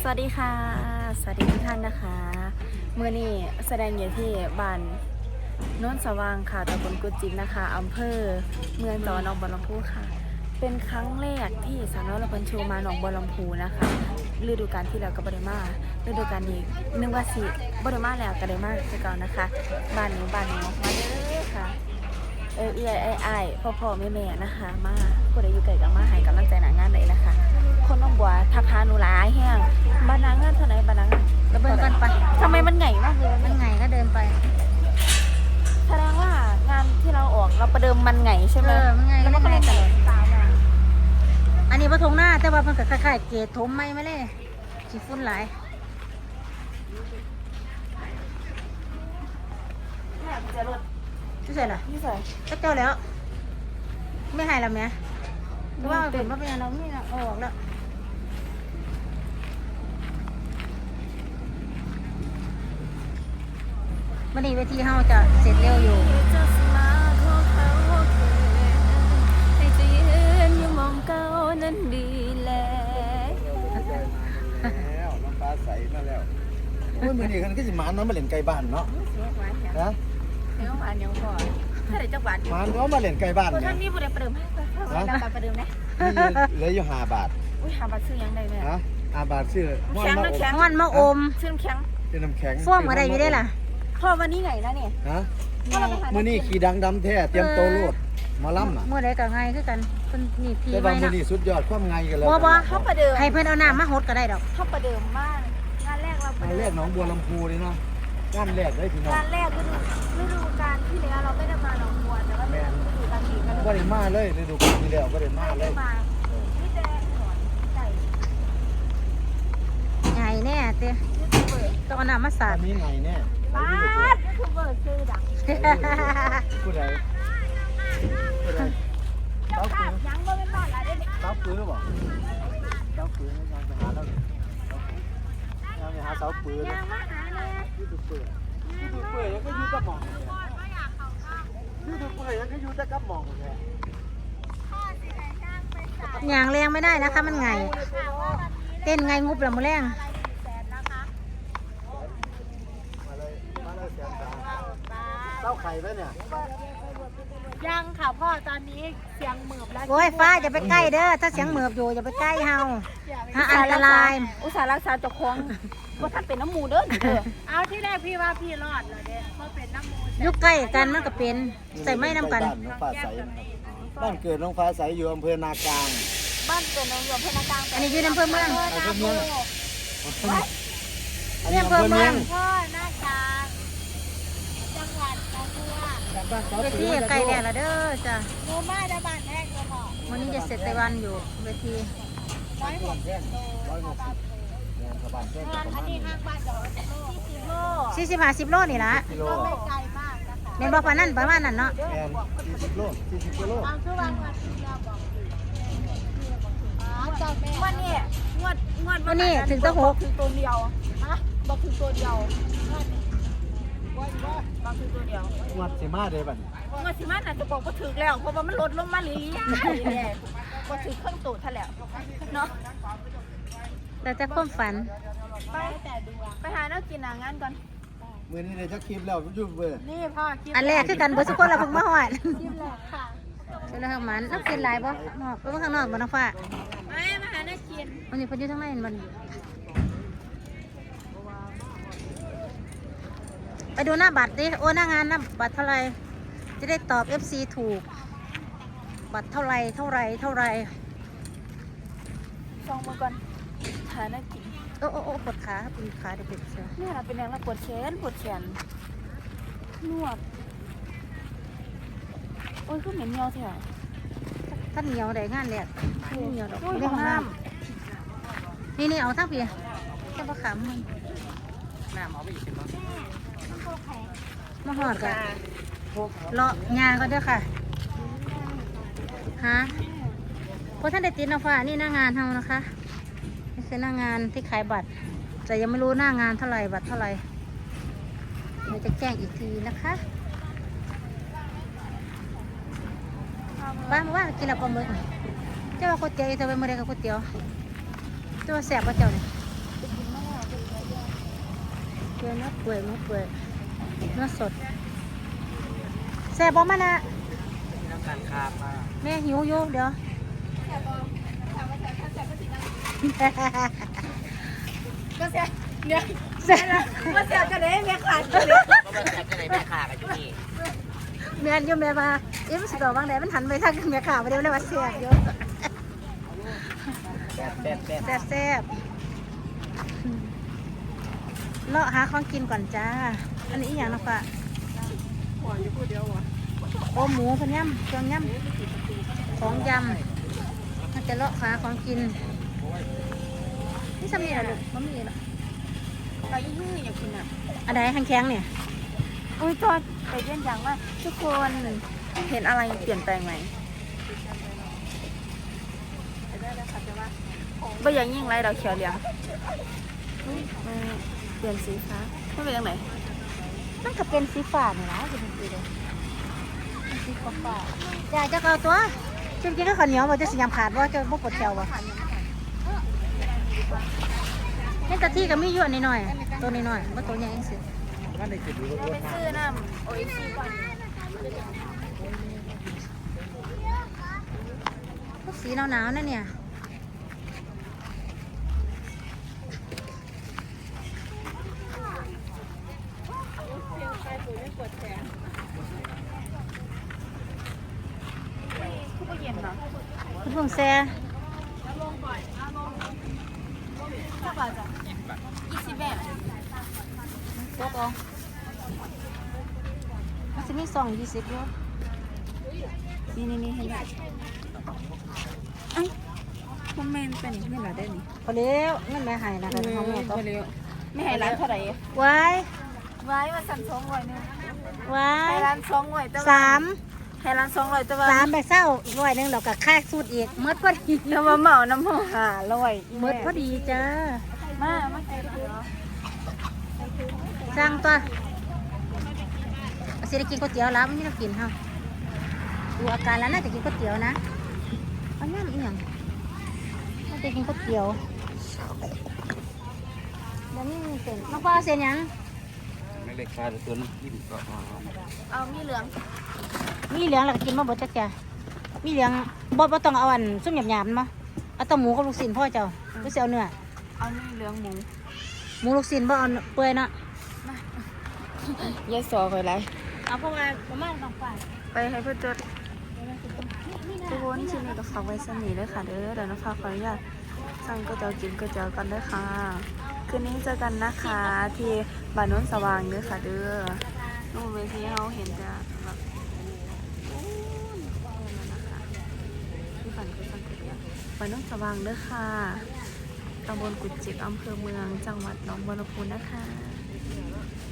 สวัสดีค่ะสวัสดีทุกท่านนะคะเมื่อนี้แสดงอยู่ที่บ้านโน้นสว่างค่ะตำบลกุจิกนะคะอำเภอเมืองจังหวัดหนองบัวลำพูค่ะเป็นครั้งแรกที่สาวน้อยละพันชูมาหนองบัวลำพูนะคะฤดูกาลที่แล้วก็บริมาฤดูกาลนี้นึกว่าสิบริมาแล้วก็ได้มาคือเก่านะคะบ้านนี้มาเด้อค่ะพ่อแม่นะคะมาผู้ใดอยู่ไกลก็มาให้กำลังใจหนางานเลยนะคะคนน้องบัวทักหาหนูหลายแห้งบ้านนางงานเท่าไหร่บ้านนางงานก็เดินกันไปทำไมมันใหญ่มากเลยมันไงก็เดินไปแสดงว่างานที่เราออกเราประเดิมมันไงใช่ไหมมันไงแล้วมันก็เลยไงตามมาอันนี้ปฐงหน้าแต่ว่ามันก็คล้ายๆเกศถมไม่เลยขี้ฝุ่นหลายแม่จะรถที่ใส่ล่ะนี่ใส่ก็เจ้าแล้ว ไม่ให้แล้วแม่ว่าเป็นว่าเป็นยังเราไม่เอาออกแล้ววันนี้เวทีเฮาจะเสร็จเร็วอยู่ให้จะยืนอยู่มองเก้านั้นดีแล้วแล้วน้ำปลาใสมาแล้วโอ้ยมื้อนี้คันก็สิหมาน้ำมาเล่นไก่บ้านเนาะเสียหวานแถวนะเสียหวานยังพอถ้าได้จักหวานหมาน้ำมาเล่นไก่บ้านตัวเนี่ท่าย นนี่บุได้ประเดิมให้เราประเดิมนะเหลืออยู่5 บาทอุ้ยหาบัตรซื้อยังได้เนี่ยฮะ5 บาทซื้อม่อนแข็งมานะอบแข็งม่อนมะอมซื้อน้ำแข็งเป็นน้ำแข็งฟ้อมอะไรอยู่ได้ล่ะพ่อวันนี้ไงนะเนี่ยฮะพ่อเราไปหามื้อนี้ขี่ดังดำแท้เตรียมโตวโลดหมาล่ำน่ะเมื่อใดก็ไงคือกันคนนี่พี่แต่ไว้ว่ามื้อนะนี้สุดยอดความไงกันแล้วบ่เขาประเดิมให้เพื่อนเอาน้ำมาหดก็ได้ดอกเขาประเดิมมากงานแรกเราประงานเดิแรมกหนองบัวลำพูเลยเนาะงานแรกเลยพี่น้องงานแรกฤดูกาลที่แล้วเราไม่ได้มาหนองบัวแต่ว่าเป็นฤดูกาลนี้ก็บ่ได้มาเลยฤดูกาลที่แล้วบ่ได้มาเลได้ยมาพี่แดงสอนไก่ใหญ่แน่เต้ยูทูบเบอร์ต้องเอาน้ำมาสาอัดนนี้ไงแน่บ้ายูทูบเบอร์ซื้อดังผู้ใดผู้ใดเจ้าภาพยังไม่เป็นบ้านอะไรเนี่ยเสาปืนหรือเปล่าเสาปืนยังไปหาแล้วยังไปหาเสาปืนยังมาหาเลยยูทูบเบอร์ยังก็ยูกับหมองยูทูบเบอร์ยังก็ยูแต่กับหมองเลยอย่างแรงไม่ได้นะคะมันไง เต้นไงงุบละมือแรงมาเลยแสนสามเต้าไข่ไหมเนี่ยยังค่ะพ่อตอนนี้เสียงเหมือบแล้วโอ้ยฟ้าอย่าไปใกล้เด้อถ้าเสียงเหมือบอยู่อย่าไปใกล้เฮาอันตรายอุตส่าห์รักษาเจ้าของว่าท่านเป็นน้ำมูเด้อเด้อเอาที่แรกพี่ว่าพี่รอดเลยเด้เพราะเป็นน้ำมูลยุคใกล้กันมันก็เป็นใส่ไม่น้ำกันบ้านน้องฟ้าใสนะครับบ้านเกิดน้องฟ้าใสอยู่อำเภอนากลางบ้านเกิดน้องอยู่พนักงานอันนี้อยู่ในอำเภอเมืองอำเภอเมืองอันเนี่นี้ยอำเภอเมืองพ่อหน้าจางจังหวัดหนองบัวบ้านเสาเวปืทีนใกล้แล้วละเด้อจ้ะหมูมาได้บ้านแรกเลยพ่อวันนี้จะเสร็จแต่วันอยู่เวที 160 บ้านแจ้งประอัมานณนี้ข้างบ้านเดี๋ยวโล40 โล 40-50 โลนี่ละกิโลก็ไม่ไกลมากนะคะเป็นบ่ปานนั้นประมาณนั้นเนาะแอน40 โล 40 กิโลเอาคือวันที่เราบอกอ๋อเจ้าแม่วันนี้งวดวันนี้ถึงจะหกคือตัวเดียวฮะบอกคือตัวเดียวว่าบอกคือตัวเดียวงวดสิมาเด้บัดงวดสิมันอาจจะบอกว่าถึกแล้ว เพราะว่ามันลดลงมาเรื่อยๆก็ถึกเครื่องตูดท่านแล้วเนาะแต่จะความฝันไปหาเนื้อกินงานก่อนมื้อนี้ได้จักคลิปแล้วยูทูบเบอร์นี่พ่อคิดอันแรกคือกันเบอร์สุกคนเราเพิ่งมาหอดคิดแหละค่ะเป็นเรื่องของมันนักกินหลายบ่นอกไปข้างนอกบ่น้องฟ้ามาหาเนื้อกินวันนี้เพิ่นอยู่ทางในมันไปดูหน้าบัตรดิโอ้หน้างานหน้าบัตรเท่าไหรจะได้ตอบ FC ถูก บัตรเท่าไหรเท่าไหรเท่าไหรซองมาก่อนหาเนื้อกินโอ้ปวดขาปวดขาเด็กๆเชียวนี่เราเป็นอย่างเราปวดแขนนวดโอ้ยก็เหม็นเงียวเถอะท่านเหนียวได้งานแรกเหนียวดอกโอ้ยในห้องน้น้ำนี่เอาทั้งพี่เจ้าประขำมันมาหอดกันเลาะงานก็เด้อค่ะฮะเพราะท่านได้ติดน้ำฟ้านี่หน้างานเฮานะคะนี่คือหน้างานที่ขายบัตร แต่ยังไม่รู้หน้างานเท่าไหร่บัตรเท่าไหร่เดี๋ยวจะแจ้งอีกทีนะคะบ้านว่ากินแล้วปลาหมึกเจ้าว่าก๋วยเตี๋ยวจะไปเมื่อไรกับก๋วยเตี๋ยวเจ้าว่าแสบป่ะเจ้าเนี่ยเนื้อเปื่อยเนื้อสดแซ่บบ่มานะน้ำตาลคาบมาแม่หิวอยู่เดี๋ยวก็เสียเนี่ยแซ่บก็เสียกันเลยแม่ขาดกันเลยก็มาแซ่บกันเลยแม่ขากันอยู่นี่แม่นอยู่แม่มามันสิบอกบางแดดมันหันไปทางแม่ข่าวไปเดี๋ยวเลยว่าแซ่บอยู่แซ่บแซ่บแซ่บแซ่บเลาะหาของกินก่อนจ้าอันนี้อีหยังนะปะโอ้หมูพันยำเครื่องยำของยำมันจะเลาะหาของกินนี่สำเนียงลูกมันมีหรอไปยี่อยากกินอ่ะอันไหนแข็งๆเนี่ยอุ้ยจอดไปเยี่ยนยังว่าทุกคนเห็นอะไรเปลี่ยนแปลงไหมไม่อย่างยิ่งไรเราเขียวเหลืองเปลี่ยนสีฟ้าไม่เป็นยังไงมันก็เป็นสีฟ้าเนี่ยนะจะเป็นสีเลยสีฟ้าอยากจะเอาตัวจริงๆก็ข้าวเหนียวมันจะสียำขาดว่าจะบ่ปวดแถววะนี่ตะที่ก็มีอยู่อันน้อยๆตัวน้อยๆว่าตัวใหญ่เองสิก็ในจุดนี้ก็ไปซื้อน้ำโอ้ยซีก่อนพวกสีหนาวๆนั่นเนี่ยคุณพงแซ่สักบาทจ้ะ20 แบบตกเอามันจะมี2 20อยู่นี่เห็นไหมเอ้ามันแมนเป็นอย่างนี้เหรอได้นี่พอแล้วนั่นแม่หายนะกันของแม่ต่อไม่ให้ร้านเท่าไหร่ไว้ไว้มาสั่ง200นึงไว้ให้ร้าน200แต่ว่า 3 ให้ร้าน200แต่ว่า 3ไปเศร้าอีก100นึงเราก็ค่าสูตรอีกหมดพอดีแล้วมาเหมาน้ำหอม500 หมดพอดีจ้ามาใส่ถุงสั่งตัวสิได้กินก๋วยเตี๋ยวแล้วมันไม่ต้องกินเฮาดูอาการแล้วน่าจะกินก๋วยเตี๋ยวนะเอาย่ำอีหยังน่าจะกินก๋วยเตี๋ยวเดี๋ยวนี้มีเส้นน้องปลาเส้นหยังไม่เล็กคาตัวน้ำจิ้มก็เอามีเหลืองมีเหลืองแล้วก็กินมาบดจักจ้ะมีเหลืองบ่ต้องเอาอันซุ่มหยาบๆมาเอาแต่หมูกับลูกชิ้นพ่อเจ้าหรือสิเอาเนื้อเอามีเหลืองหมูหมูลูกชิ้นบ่เอาเปื่อยเนาะยายสอไปไรเอาเพราะว่าประมาณ2ฝ่ายไปให้เพื่อนจดทุกคนชิ้นนี้ก็ฝากไว้สนิทด้วยค่ะเด้อเดี๋ยวนะคะขออนุญาตสั่งก๋วยเตี๋ยวกินก๋วยเตี๋ยวกันด้วยค่ะคืนนี้เจอกันนะคะที่บ้านโน้นสว่างเด้อค่ะเด้อนู่นเวทีเขาเห็นจะแบบที่ฝันคือสั่งก๋วยเตี๋ยวบ้านโน้นสว่างเด้อค่ะตำบลกุดจิกอำเภอเมืองจังหวัดหนองบัวลำพูนะคะ